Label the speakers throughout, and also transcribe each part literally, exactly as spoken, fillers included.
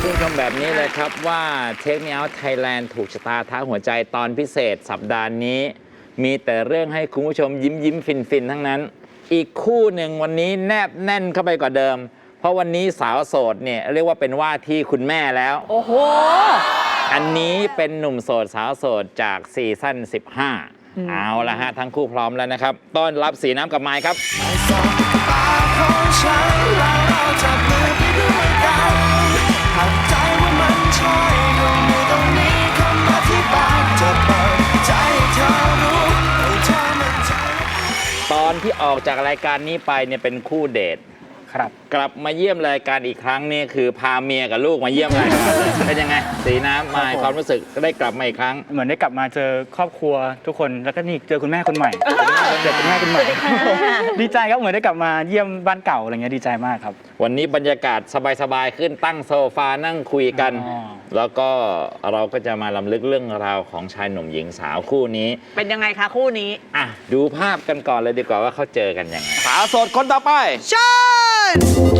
Speaker 1: คุณผู้ชมแบบนี้เลยครับว่า Take Me Out Thailand ถูกชะตาท้าหัวใจตอนพิเศษสัปดาห์นี้มีแต่เรื่องให้คุณผู้ชมยิ้มยิ้มฟินฟินทั้งนั้นอีกคู่หนึ่งวันนี้แนบแน่นเข้าไปกว่าเดิมเพราะวันนี้สาวโสดเนี่ยเรียกว่าเป็นว่าที่คุณแม่แล้วโอ้โหอันนี้เป็นหนุ่มโสดสาวโสดจากซีซั่นสิบห้าเอาละฮะทั้งคู่พร้อมแล้วนะครับต้อนรับสีน้ำกับไมค์ครับตอนที่ออกจากรายการนี้ไปเนี่ยเป็นคู่เดทครับกลับมาเยี่ยมรายการอีกครั้งนี่คือพาเมียกับลูกมาเยี่ยมรายการเป็นยังไงสีน้ำมาความรู้สึกก็ได้กลับมาอีกครั้ง
Speaker 2: เหมือนได้กลับมาเจอครอบครัวทุกคนแล้วก็นี่เจอคุณแม่คนใหม่เจอคุณแม่คนใหม่ดีใจครับเหมือนได้กลับมาเยี่ยมบ้านเก่าอะไรเงี้ยดีใจมากครับ
Speaker 1: วันนี้บรรยากาศสบายๆขึ้นตั้งโซฟานั่งคุยกันแล้วก็เราก็จะมาลำลึกเรื่องราวของชายหนุ่มหญิงสาวคู่นี้
Speaker 3: เป็นยังไงคะคู่นี้
Speaker 1: อ่ะดูภาพกันก่อนเลยดีกว่าว่าเขาเจอกันยังไงสาวโสดคนต่อไป
Speaker 3: เชิญ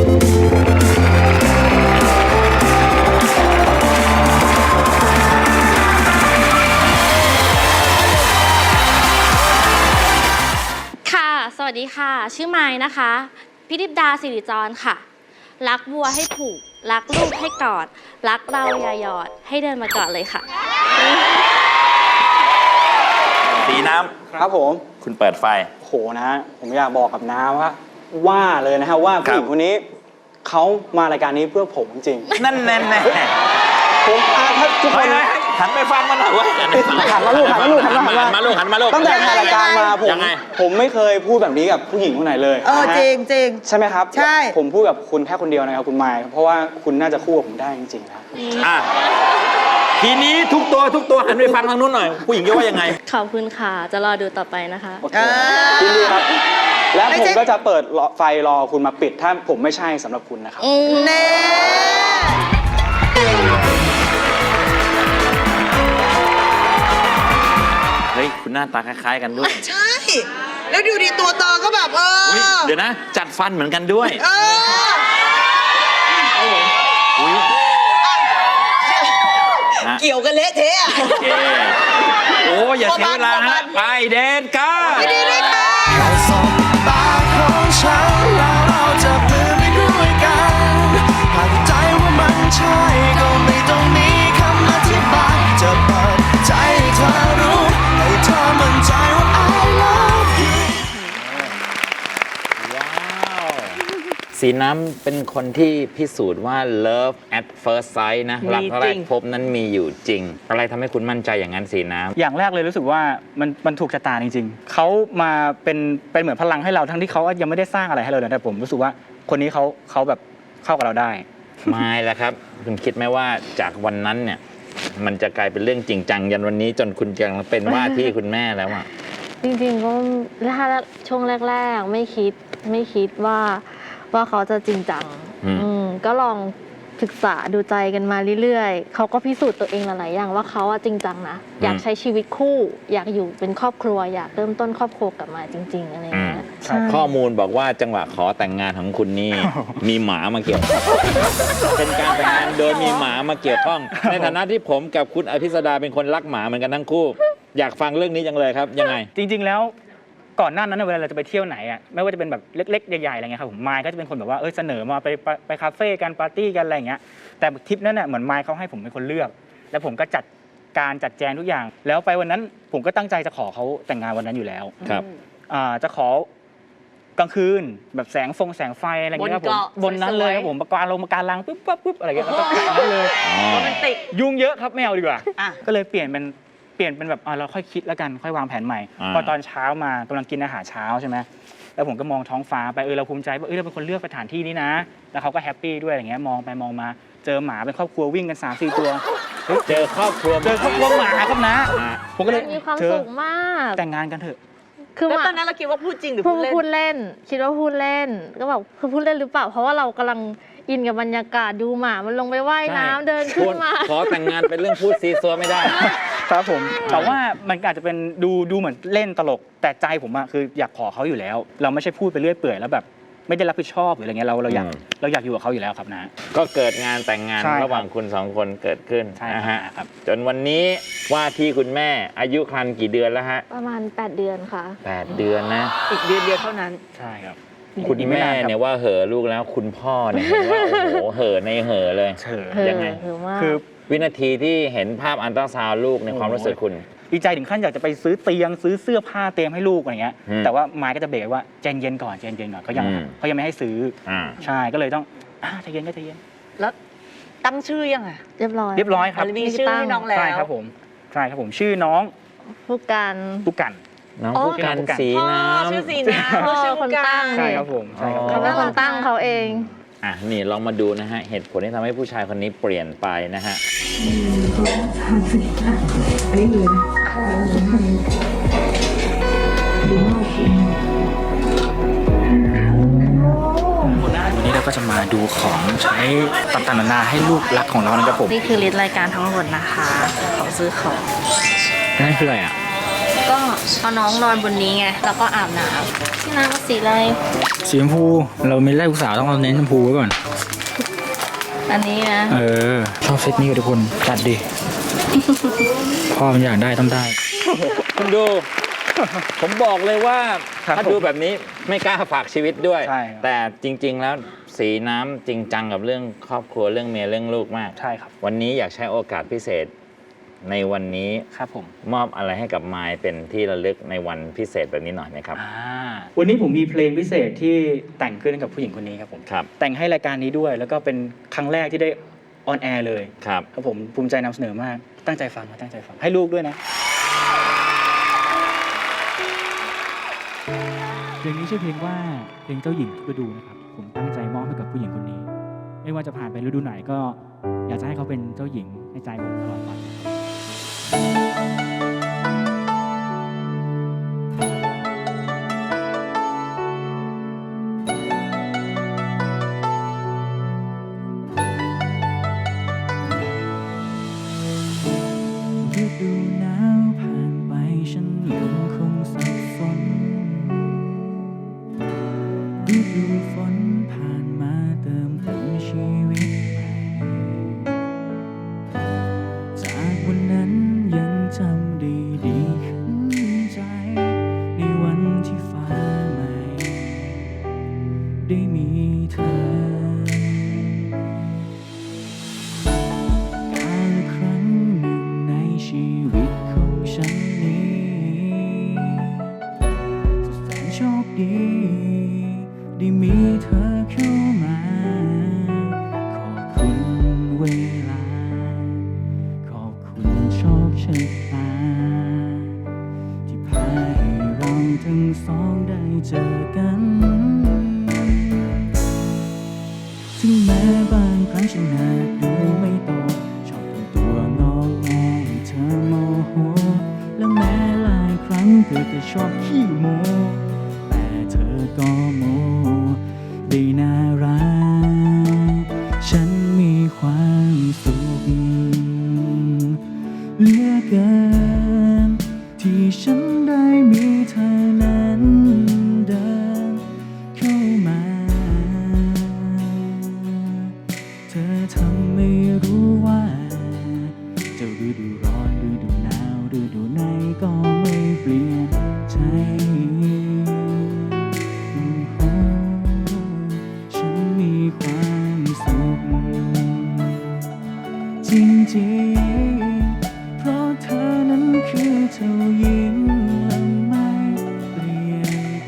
Speaker 4: ค่ะสวัสดีค่ะชื่อไม้นะคะพิธิดาสิริจรค่ะรักวัวให้ผูกรักลูกให้กอดรักเราอย่าหยอดให้เดินมากอดเลยค่ะ
Speaker 1: สีน้ำ
Speaker 2: ครับผม
Speaker 1: คุณเปิดไฟ
Speaker 2: โหนะผมอยากบอกกับน้าว่าว่าเลยนะฮะว่าผู้หญิงคนนี้เขามารายการนี้เพื่อผมจริง
Speaker 1: นั่นแน่แน่
Speaker 2: ผมถ้าทุกคน
Speaker 1: หันไปฟังมันหน่อยว่า
Speaker 2: หันมาลูกหันมาลูกหันมา
Speaker 1: หันมาลูกหันมาลูก
Speaker 2: ตั้งแต่ถ่ายรายการมาผมผมไม่เคยพูดแบบนี้กับผู้หญิงคนไหนเลย
Speaker 3: เออจริงจริง
Speaker 2: ใช่ไหมครับ
Speaker 3: ใช่
Speaker 2: ผมพูดกับคุณแค่คนเดียวนะครับคุณไมค์เพราะว่าคุณน่าจะคู่กับผมได้จริงๆนะ
Speaker 1: อ่ะทีนี้ทุกตัวทุกตัวหันไปฟังทางนู้นหน่อยผู้หญิงจะว่ายังไง
Speaker 4: ขอบคุณค่ะจะรอดูต่อไปนะคะ
Speaker 2: ยินดีครับแล้วผมก็จะเปิดไฟรอคุณมาปิดถ้าผมไม่ใช่สำหรับคุณนะครับ
Speaker 3: เน่
Speaker 1: เฮ้ยคุณหน้าตาคล้ายๆกันด้วย
Speaker 3: ใช่แล้วดูดิตัวตอก็แบบเออ
Speaker 1: เดี๋ยวนะจัดฟันเหมือนกันด้วย
Speaker 3: เออเกี่ยวกันเละเทะ
Speaker 1: โอ้อย่าเสียเวลาฮะไปเดนกัน
Speaker 3: ไปดีเลยค่ะใช่ก็ไม่ต้องมีคำอธิบายจะเปิดใจเธอรู้ให้เธอมั่นใจว่า I love you
Speaker 1: ว้าวสีน้ำเป็นคนที่พิสูจน์ว่า love at first sight นะรักแรกพบนั้นมีอยู่จริงอะไรทำให้คุณมั่นใจอย่างนั้นสีน้ำ
Speaker 2: อย่างแรกเลยรู้สึกว่ามันมันถูกชะตาจริงๆเขามาเป็นเป็นเหมือนพลังให้เราทั้งที่เขายังไม่ได้สร้างอะไรให้เราเลยแต่ผมรู้สึกว่าคนนี้เขาเขาแบบเข้ากับเราได้
Speaker 1: ไม่แล้วครับคุณคิดไหมว่าจากวันนั้นเนี่ยมันจะกลายเป็นเรื่องจริงจังยันวันนี้จนคุณกำลังเป็นว่าที่คุณแม่แล้วอ่ะ
Speaker 4: จริงๆก็ถ้าช่วงแรกๆไม่คิดไม่คิดว่าว่าเขาจะจริงจังก็ลองศึกษาดูใจกันมาเรื่อยๆเขาก็พิสูจน์ตัวเองหลายๆอย่างว่าเขาจริงจังนะอยากใช้ชีวิตคู่อยากอยู่เป็นครอบครัวอยากเริ่มต้นครอบครัวกลับมาจริงๆอะไรอย่างเงี้ย
Speaker 1: ข้อมูลบอกว่าจังหวะขอแต่งงานของคุณนี่มีหมามาเกี่ยวเป็นการแต่งงานโดยมีหมามาเกี่ยวข้องในฐานะที่ผมกับคุณอภิสดาเป็นคนรักหมาเหมือนกันทั้งคู่อยากฟังเรื่องนี้จังเลยครับยังไง
Speaker 2: จริงๆแล้วก่อนหน้านั้นเวลาเราจะไปเที่ยวไหนอ่ะไม่ว่าจะเป็นแบบเล็กๆใหญ่ๆอะไรเงี้ยครับผมไมค์ก็จะเป็นคนแบบว่าเออเสนอมาไปไปคาเฟ่กันปาร์ตี้กันอะไรเงี้ยแต่ทริปนั้นเนี่ยเหมือนไมค์เขาให้ผมเป็นคนเลือกแล้วผมก็จัดการจัดแจงทุกอย่างแล้วไปวันนั้นผมก็ตั้งใจจะขอเขาแต่งงานวันนั้นอยู่แล้ว
Speaker 1: ครับ
Speaker 2: อ่าจะขอกลางคืนแบบแสงฟงแสงไฟอะไรเงี้ยครับผมบนนั้นเลยครับผมประการลงประการลังปุ๊บปุ๊บปุ๊บอะไรเงี้ยแล้วก็แต่งนั้นเลยยุ่งเยอะครับไม่เอาดีกว่าก็เลยเปลี่ยนเป็นเปลี่ยนเป็นแบบเราค่อยคิดแล้วกันค่อยวางแผนใหม่พอตอนเช้ามากำลังกินอาหารเช้าใช่ไหมแล้วผมก็มองท้องฟ้าไปเออเราภูมิใจว่าเออเราเป็นคนเลือกสถานที่นี้นะแล้วเขาก็แฮปปี้ด้วยอย่างเงี้ยมองไปมองมาเจอหมาเป็นครอบครัววิ่งกันสามสี่ตัว
Speaker 1: เจอครอบครัว
Speaker 2: เจอครอบครัวหมาครับนะผมก็เลย
Speaker 4: มีความสุขมาก
Speaker 2: แต่งงานกันเถอะ
Speaker 3: คือตอนนั้นเราคิดว่าพูดจริงหรือพูดเล่น
Speaker 4: พูดเล่นคิดว่าพูดเล่นก็แบบคือพูดเล่นหรือเปล่าเพราะว่าเรากำลังอินกับบรรยากาศดูหมามันลงไปว่ายน้ำเดินขึ้นมา
Speaker 1: ขอแต่งงานเป็นเรื่องพูดซีซัวไม่ได้
Speaker 2: ครับผมแต่ว่ามันอาจจะเป็นดูดูเหมือนเล่นตลกแต่ใจผมอะคืออยากขอเขาอยู่แล้วเราไม่ใช่พูดไปเรื่อยเปื่อยแล้วแบบไม่ได้รับผิดชอบหรืออะไรเงี้ยเราเราอยาก
Speaker 1: อืม
Speaker 2: เราอยากอยู่กับเขาอยู่แล้วครับนะ
Speaker 1: ก็เกิดงานแต่งงาน
Speaker 2: ใช่ครับ
Speaker 1: ระหว่างคุณสองคนเกิดขึ้น
Speaker 2: ใช่
Speaker 1: นะฮะ
Speaker 2: ครับ
Speaker 1: จนวันนี้ว่าที่คุณแม่อายุครรภ์กี่เดือนแล้วฮะ
Speaker 4: ประมาณ แปด เดือนค่ะ
Speaker 1: แปดเดือนนะ
Speaker 5: อีกเดือนเดียวเท่านั้น
Speaker 2: ใช่ครับ
Speaker 1: คุณ
Speaker 2: อีกไม่
Speaker 1: แม่
Speaker 2: นานครับ
Speaker 1: เนี่ยว่าเห่อะลูกแล้วคุณพ่อเนี่ยเห็นว่า โอ้โหเห่อะในเห่อะเลย
Speaker 2: เฉย
Speaker 4: เออ
Speaker 1: ยังไง
Speaker 4: หรือว่า
Speaker 2: คือ
Speaker 1: วินาทีที่เห็นภาพอันตราซาวด์ลูกในความรู้สึกคุณ
Speaker 2: ดีใจถึงขั้นอยากจะไปซื้อเตียงซื้อเสื้อผ้าเตรียมให้ลูกอะไรเงี้ย
Speaker 1: อืม
Speaker 2: แต่ว่าไม้ก็จะเบรกว่าใจเย็นก่อนใจเย็นก่อนเขายัง
Speaker 1: อืม
Speaker 2: เขายังไม่ให้ซื้อ
Speaker 1: อ่า
Speaker 2: ใช่ก็เลยต้องอ่าใจเย็นก็ใจเย็น
Speaker 5: แล้วตั้งชื่อยังอ่ะ
Speaker 4: เรียบร้อย
Speaker 2: เรียบร้อยครับ
Speaker 5: มีชื่อให้น้องแล้ว
Speaker 2: ใช่ครับผมใช่ครับผมชื่อน้อง
Speaker 4: ผู้การ
Speaker 2: ปุกกัน
Speaker 1: น้อง
Speaker 5: อ๋อ
Speaker 1: ผู้กัน
Speaker 2: น้องผู้กัน
Speaker 1: สี
Speaker 5: พ่อ
Speaker 1: น้ำ
Speaker 5: ชื่อสีน้ำ
Speaker 4: พ่อ
Speaker 5: ชื่อ
Speaker 4: คนตั้ง
Speaker 2: ใช่ครับผมใช่ครับ
Speaker 1: อ๋อ
Speaker 4: เขาเป็นคนตั้งเขาเอง
Speaker 1: อ่ะนี่ลองมาดูนะฮะ เหตุผลที่ทำให้ผู้ชายคนนี้เปลี่ยนไปนะฮะ
Speaker 2: วันนี้เราก็จะมาดูของใช้ต่างๆนานาให้ลูกรักของเรานะครับผม
Speaker 4: นี่คือลิสต์รายการทั้งหมดนะคะของซื้อของ
Speaker 2: นั่นคืออะไรอ่ะ
Speaker 4: ก็เอาน้องนอนบนนี้ไง แล้วก็อาบน้ำที่น้ำก็สีอะไร
Speaker 2: สีชมพูเราไม่ได้ลูกสาวต้องเอาเน้นชมพูไว้ก่อน
Speaker 4: อันนี้นะ
Speaker 2: เออชอบเซตนี้กับทุกคนจัดดิ พ่อมันอยากได้ต้องได้
Speaker 1: คุณดู ผมบอกเลยว่า
Speaker 2: ครับ
Speaker 1: ถ้าดูแบบนี้ไม่กล้าฝากชีวิตด้วย
Speaker 2: ใช่ครับ
Speaker 1: แต่จริง ๆ แล้วสีน้ำจริงจังกับเรื่องครอบครัวเรื่องเมียเรื่องลูกมาก
Speaker 2: ใช่ครับ
Speaker 1: วันนี้อยากใช้โอกาสพิเศษในวันนี้
Speaker 2: ครับผม
Speaker 1: มอบอะไรให้กับมายเป็นที่ระลึกในวันพิเศษแบบนี้หน่อยนะครับ
Speaker 2: อ่าวันนี้ผมมีเพลงพิเศษที่แต่งขึ้นให้กับผู้หญิงคนนี้ครับผม
Speaker 1: ครับ
Speaker 2: แต่งให้รายการนี้ด้วย แล้วก็เป็นครั้งแรกที่ได้ออนแอร์เลย
Speaker 1: ครับ
Speaker 2: ครับผมภูมิใจนำเสนอมากตั้งใจฟังนะตั้งใจฟังให้ลูกด้วยนะเพลงนี้ชื่อเพลงว่าเพลงเจ้าหญิงทุกฤดูนะครับผมตั้งใจมอบให้กับผู้หญิงคนนี้ ไม่ว่าจะผ่านไปฤดูไหนก็อยากจะให้เขาเป็นเจ้าหญิงในใจผมตลอดไป ฤดูหนาวผ่านไปฉันยังคงสับสนฤดูฝนผ่านมาเติมเต็มชีวิตใหม่จากวันนั้นยังจำได้ดีขึ้นใจในวันที่ฟ้าใหม่ได้มีเธอ การละครั้งหนึ่งในชีวิตของฉันนี้สุดแสนโชคดีได้มีเธอเข้ามา ขอบคุณเวลา ขอบคุณโชคชะตา ที่พาให้เราทั้งสองได้เจอกัน ถึงแม้บางครั้งฉันอาจดูไม่โตชอบทำตัวงอแงให้เธอโมโหและแม้หลายครั้งเธอจะชอบขี้โมแต่เธอก็โมได้น่ารักฉันมีความสุขเหลือเกินที่ฉันได้มีเธอนั้นเดินเข้ามา เธอทำไม่รู้ว่าจะฤดูร้อนฤดูหนาวฤดูไหนก็ไม่เปลี่ยนใจโอ้โหฉันมีความสุขจริงๆเพราะเธอนั้นคือเจ้าหญิงและไม่เปลี่ยนไป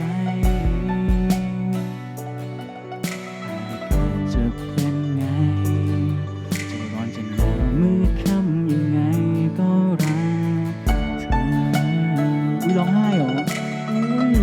Speaker 2: จะเป็นไง จะร้อนจะหนาวมืดค่ำยังไงก็รักเธออุ้ยร้องไห้เหรออุ้ย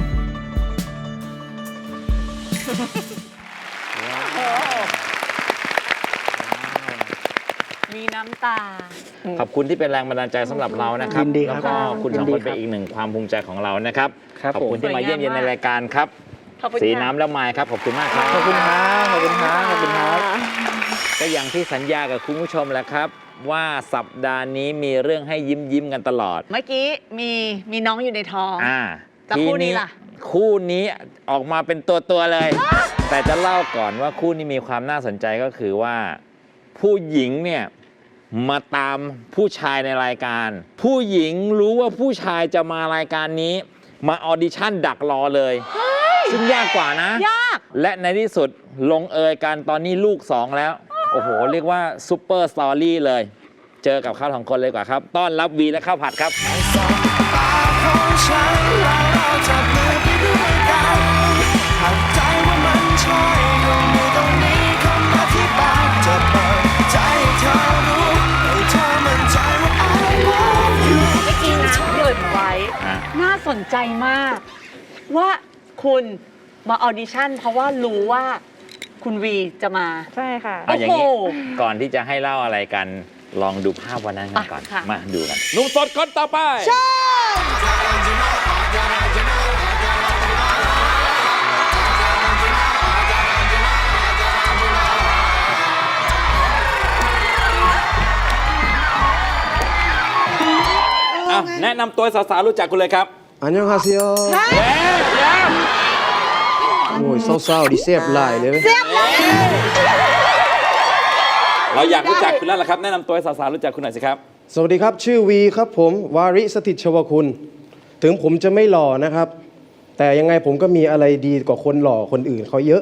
Speaker 5: มีน้ำตา
Speaker 1: ขอบคุณที่เป็นแรงบันดาลใจสำหรับเรานะครับ
Speaker 2: ยินดีครับ
Speaker 1: แล้วก็คุณสอง
Speaker 2: ยินดี
Speaker 1: คน
Speaker 2: ครั
Speaker 1: เป็น
Speaker 2: บ
Speaker 1: อีกหนึ่งความภูมิใจของเรานะครับ
Speaker 2: ครับ
Speaker 1: ขอบคุณ
Speaker 2: ผม
Speaker 1: ที่มาเยี่ยมเยียนใน
Speaker 5: สวยงามมาก
Speaker 1: รายการครับ
Speaker 5: ขอบคุณ
Speaker 1: สี
Speaker 5: ค่ะ
Speaker 1: น้ำและไมายครับ ขอบคุณมากครับ
Speaker 2: ขอบคุณครับขอบคุณครับขอบคุณครับ
Speaker 1: ก็อย่างที่สัญญากับคุณผู้ชมแหล้วครับ ว่าสัปดาห์นี้มีเรื่องให้ยิ้มยิ้มๆกันตลอด
Speaker 5: เมื่อกี้มีมีน้องอยู่ในท้อง
Speaker 1: อ่า
Speaker 5: แต่คู่นี้ล่ะ
Speaker 1: คู่นี้ออกมาเป็นตัวตัวๆเลย แต่จะเล่าก่อนว่าคู่นี้มีความน่าสนใจก็คือว่าผู้หญิงเนี่ยมาตามผู้ชายในรายการ ผู้หญิงรู้ว่าผู้ชายจะมารายการนี้ มาออดิชั่นดักรอเลย ซึ่งยากกว่านะ
Speaker 5: ยาก
Speaker 1: และในที่สุดลงเอยกันตอนนี้ลูกสองแล้ว โอ้โห เรียกว่าซูเปอร์สตอรี่เลย เจอกับเขาสองคนเลยดีกว่าครับ ต้อนรับวีและข้าวผัดครับ
Speaker 3: ตาของฉันแล้วเราจะมือไปด้วยกันหากใจว่ามันใช่ก็ไม่ต้องมีคำอธิบายจะเปิดใจให้เธอรู้ให้เธอมั่นใจว่า I love you
Speaker 5: เมื่อกี้นะเกริ่นไว้
Speaker 1: ฮะ
Speaker 5: น่าสนใจมาก ว่าคุณมาออดิชั่น เพราะว่ารู้ว่าคุณวีจะมา
Speaker 4: ใช่ค่ะ
Speaker 1: เอาอย่างนี้
Speaker 5: โอ้โห
Speaker 1: ก่อนที่จะให้เล่าอะไรกัน ลองดูภาพวันนั้นกันก่อน
Speaker 5: อ่ะค่ะ
Speaker 1: มาดูกันหนุ่มสดคนต่อไป อ่ะแนะนำตัวสาวๆรู้จักคุณเลยครับ
Speaker 6: อันยองฮาเซียว
Speaker 1: เอ๊ะเดี๋ยว
Speaker 6: โอ้ยเศร้าๆดิเสียบหลายเลยเว้ย
Speaker 1: เราอยากรู้จักคุณแล้วล่ะครับ แนะนำตัวให้สาวๆรู้จักคุณหน่อยสิครับ
Speaker 6: สวัสดีครับ ชื่อวีครับผม วาริสถิตชวคุณ ถึงผมจะไม่หล่อนะครับ แต่ยังไงผมก็มีอะไรดีกว่าคนหล่อคนอื่นเขาเยอะ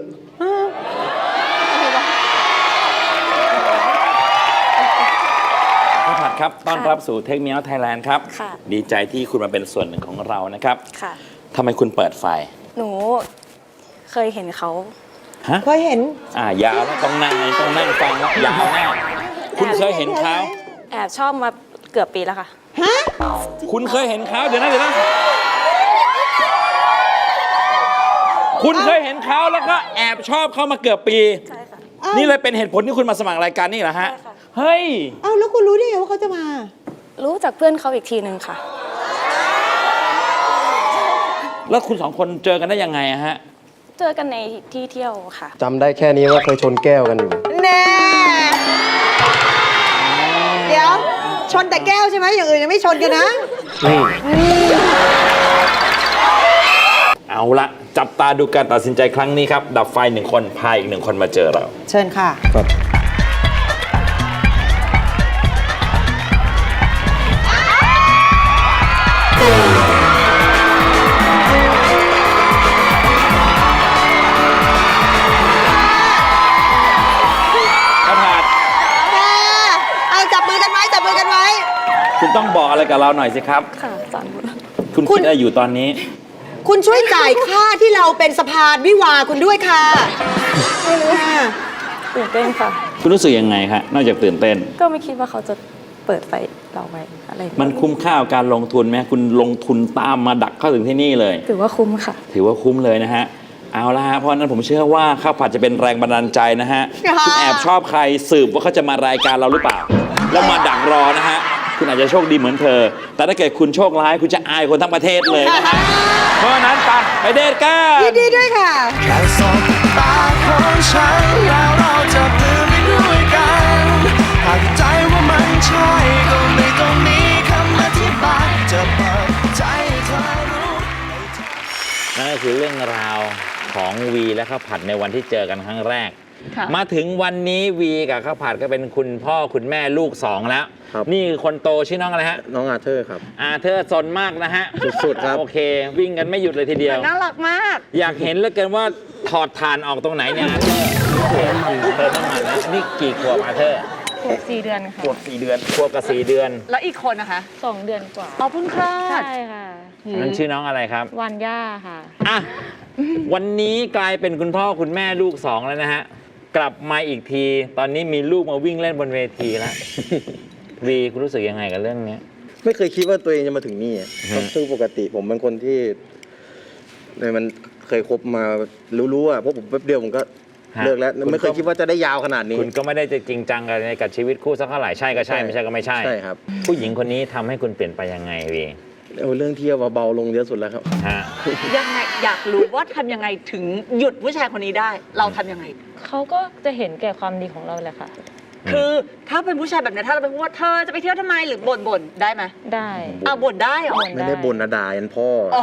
Speaker 1: ข้าวผัดครับ ต้อนรับสู่เทคเมียลไทยแลนด์ครับ
Speaker 7: ค่ะ
Speaker 1: ดีใจที่คุณมาเป็นส่วนหนึ่งของเรานะครับ
Speaker 7: ค่ะ
Speaker 1: ทำไมคุณเปิดไฟ
Speaker 7: หนูเคยเห็นเขา
Speaker 1: ฮะ
Speaker 5: เคยเห็น
Speaker 1: อ่ายาวแล้วต้องนั่งต้องนั่งฟังแล้วยาวแน่คุณเคยเห็นเขา
Speaker 7: แอบชอบมาเกือบปีแล้วค่ะ
Speaker 1: คุณเคยเห็นเขาเดี๋ยวนะเดี๋ยวนะคุณเคยเห็นเขาแล้วก็แอบชอบเขามาเกือบปี
Speaker 7: ใช่ค่ะ
Speaker 1: นี่เลยเป็นเหตุผลที่คุณมาสมัครรายการนี่เหรอฮะ
Speaker 7: ใช่ค่ะ
Speaker 1: เฮ้ย
Speaker 8: เอ้าแล้วคุณรู้ได้ไงว่าเขาจะมา
Speaker 7: รู้จากเพื่อนเขาอีกทีหนึ่งค่ะ
Speaker 1: แล้วคุณสองคนเจอกันได้ยังไงอะฮะ
Speaker 7: เจอกันในที่เที่ยวค่ะ
Speaker 6: จำได้แค่นี้ว่าเคยชนแก้วกันอยู่
Speaker 8: แน่ เดี๋ยว ชนแต่แก้วใช่ไหมอย่างอื่นยังไม่ชนกันนะ
Speaker 1: เอาละจับตาดูการตัดสินใจครั้งนี้ครับ ดับไฟหนึ่งคนพาอีกหนึ่งคนมาเจอเรา
Speaker 8: เชิญค่ะ
Speaker 6: ครับ
Speaker 1: ข้าวผัด
Speaker 8: เอาจับมือกันไว้ จับมือกันไว้
Speaker 1: คุณต้องบอกอะไรกับเราหน่อยสิครับ
Speaker 7: ค่ะสอนบุญ
Speaker 1: คุณ
Speaker 8: คุ
Speaker 1: คิ
Speaker 8: ณ
Speaker 1: ดอะไรอยู่ตอนนี้
Speaker 8: คุณช่วยจ่ายค่าที่เราเป็นสะพานวิวาคุณด้วยค่ะค่ะ
Speaker 7: ตื่นเต้นค่ะ
Speaker 1: คุณรู้สึกยังไงครับนอกจากตื่นเต้น
Speaker 7: ก็ไม่คิดว่าเขาจะเปิดไฟเราไว้อะไรอย่างเงี้ย
Speaker 1: มันคุ้มค่ากับการลงทุนไหมคุณลงทุนตามมาดักเข้าถึงที่นี่เลย
Speaker 7: ถือว่าคุ้มค่ะ
Speaker 1: ถือว่าคุ้มเลยนะฮะ เอาละฮะ เพราะฉะนั้นผมเชื่อว่าข้าวผัดจะเป็นแรงบันดาลใจนะฮะ คุณแอบชอบใครสืบว่าเขาจะมารายการเราหรือเปล่า แล้วมาดักรอนะฮะ คุณอาจจะโชคดีเหมือนเธอ แต่ถ้าเกิดคุณโชคร้ายคุณจะอายคนทั้งประเทศเลยนะฮะ เพราะฉะนั้นไปไปเดทกัน
Speaker 8: ยินดีด้วยค่ะ
Speaker 3: แค่สบตาของฉันแล้วเราจะมือไปด้วยกันหากใจว่ามันใช่ก็ไม่ต้องมีคำอธิบายจะเปิดใจให้เธอรู้
Speaker 1: นั่นก็คือเรื่องราวของวีและข้าวผัดในวันที่เจอกันครั้งแรก
Speaker 5: ค่ะ
Speaker 1: มาถึงวันนี้วีกับข้าวผัดก็เป็นคุณพ่อคุณแม่ลูกสองแล้ว
Speaker 6: ครับ
Speaker 1: นี่คนโตชื่อน้องอะไรฮะ
Speaker 6: น้องอาเธอร์ครับ
Speaker 1: อาเธอร์ซนมากนะฮะ
Speaker 6: สุดๆครับ
Speaker 1: โอเค วิ่งกันไม่หยุดเลยทีเดียว
Speaker 5: น่ารักมาก
Speaker 1: อยากเห็นเหลือเกินว่าถอดถ่านออกตรงไหนเนี่ยอาเธอร์เติมน้ำมันเติมน้ำมันนะนี่กี่ขวบอาเธอร์
Speaker 4: ขวบสี่เดือนค่ะ
Speaker 1: ขวบสี่เดือนขวบกับสี่เดือน
Speaker 5: แล้วอีกคนนะคะ
Speaker 4: สองเดือนกว่า
Speaker 5: อ๋อเพิ่งคลอ
Speaker 4: ใช่
Speaker 5: ด
Speaker 4: ค่ะ
Speaker 1: นั่นชื่อน้องอะไรครับ
Speaker 4: วันย่าค่ะ
Speaker 1: อ่ะวันนี้กลายเป็นคุณพ่อคุณแม่ลูกสองแล้วนะฮะ กลับมาอีกที ตอนนี้มีลูกมาวิ่งเล่นบนเวทีแล้ว วีคุณรู้สึกยังไงกับเรื่องนี้
Speaker 6: ไม่เคยคิดว่าตัวเองจะมาถึงนี่อะ
Speaker 1: ฮะ
Speaker 6: ซึ่งปกติผมเป็นคนที่ในมันเคยคบมารู้ๆอ่ะเพราะผมแป๊บเดียวผมก็
Speaker 1: ฮะ
Speaker 6: เลิกแล้ว
Speaker 1: คุณ
Speaker 6: ไม่เคย
Speaker 1: ก็
Speaker 6: คิดว่าจะได้ยาวขนาดนี้
Speaker 1: คุณก็ไม่ได้จะจริงจังกับในกับชีวิตคู่สักเท่าไหร่ใช่ก็ใช่
Speaker 6: ใช่
Speaker 1: ไม่ใช่ก็ไม่ใช่
Speaker 6: ใช่ครับ
Speaker 1: ผู้หญิงคนนี้ทำให้คุณเปลี่ยนไปยังไงวี
Speaker 6: เอาเรื่องเที่ยวเบาๆลงเยอะสุดแล้วครับ
Speaker 1: ฮะ
Speaker 5: ยังไงอยากรู้ว่าทำยังไงถึงหยุดผู้ชายคนนี้ได้ เราทำยังไง
Speaker 4: เขาก็จะเห็นแก่ความดีของเราแหละค่ะ
Speaker 5: คือถ้าเป็นผู้ชายแบบนี้ถ้าเราเป็นว่าเธอจะไปเที่ยวทำไมหรือบ่นบ่นได้ไหม
Speaker 7: ได้
Speaker 5: อ่ะบ่นได้เหรอ
Speaker 6: ไม่ได้บ่นนะด่ายันพ่ออ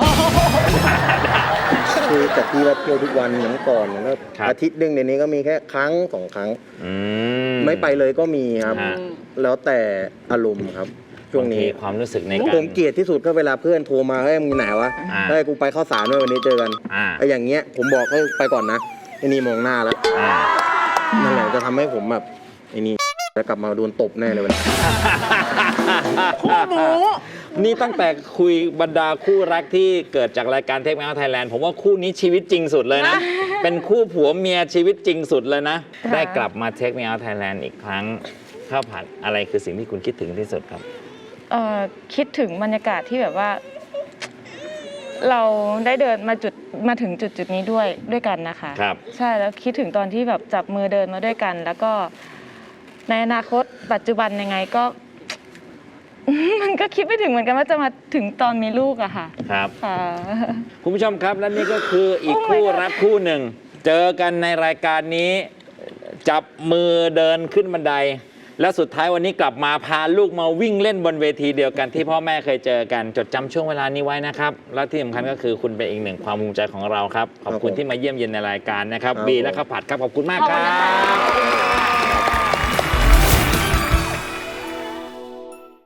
Speaker 6: คือจากที่ว่าเที่ยวทุกวันเหมือนก่อนก็
Speaker 1: ครับ
Speaker 6: อาทิตย์หนึ่งเดี๋ยวนี้ก็มีแค่ครั้งสองครั้ง
Speaker 1: อืม
Speaker 6: ไม่ไปเลยก็มีครับ
Speaker 1: ฮะ
Speaker 6: แล้วแต่อารมณ์ครับช่วงนี้
Speaker 1: บาทีความรู้สึกในการ
Speaker 6: ผมเกลียดที่สุดก็เวลาเพื่อนโทรมาเฮ้ยมึงไหนวะ
Speaker 1: อ่า
Speaker 6: เฮ้ยกูไปข้าวสารด้วยวันนี้เจอกัน
Speaker 1: อ่า
Speaker 6: ไอ้อย่างเงี้ยผมบอกให้ไปก่อนนะไอ้นี่มองหน้าแล้ว
Speaker 1: อ่า
Speaker 6: นั่นแหละจะทำให้ผมแบบไอ้นี่จะกลับมาโดนตบแน่เลยวันนี้
Speaker 5: คู่หมู
Speaker 1: นี่ตั้งแต่คุยบรรดาคู่รักที่เกิดจากรายการเทคแมวไทยแลนด์ผมว่าคู่นี้ชีวิตจริงสุดเลยนะ เป็นคู่ผัวเมียชีวิตจริงสุดเลยนะ
Speaker 7: ค่ะ
Speaker 1: ได้กลับมาเทคแมวไทยแลนด์อีกครั้งข้าวผัดอะไรคือสิ่งที่คุณคิดถึงที่สุดครับ
Speaker 7: เอ่อคิดถึงบรรยากาศที่แบบว่า เราได้เดินมาจุดมาถึงจุดจุดนี้ด้วยด้วยกันนะคะ
Speaker 1: ครับ
Speaker 7: ใช่แล้วคิดถึงตอนที่แบบจับมือเดินมาด้วยกัน แล้วก็ในอนาคตปัจจุบันยังไงก็ มันก็คิดไม่ถึงเหมือนกันว่าจะมาถึงตอนมีลูกอะค่ะ
Speaker 1: ครับ
Speaker 7: ค่ะ
Speaker 1: คุณผู้ชมครับและนี่ก็คืออีก
Speaker 7: Oh my
Speaker 1: คู่
Speaker 7: God
Speaker 1: รักคู่หนึ่ง เจอกันในรายการนี้จับมือเดินขึ้นบันได แล้วสุดท้ายวันนี้กลับมาพาลูกมาวิ่งเล่นบนเวทีเดียวกันที่พ่อแม่เคยเจอกันจดจำช่วงเวลานี้ไว้นะครับ และที่สำคัญก็คือคุณเป็นอีกหนึ่งความภูมิใจของเราครับ ขอบคุณ
Speaker 6: ครับผม
Speaker 1: ที่มาเยี่ยมเยียนในรายการนะครับ
Speaker 6: ครับ
Speaker 1: บี
Speaker 6: ผม
Speaker 1: และข้าวผัดครับขอบคุณมาก
Speaker 5: ขอบ
Speaker 1: ค
Speaker 5: คุ
Speaker 1: รั
Speaker 5: ณนะคะ
Speaker 1: บ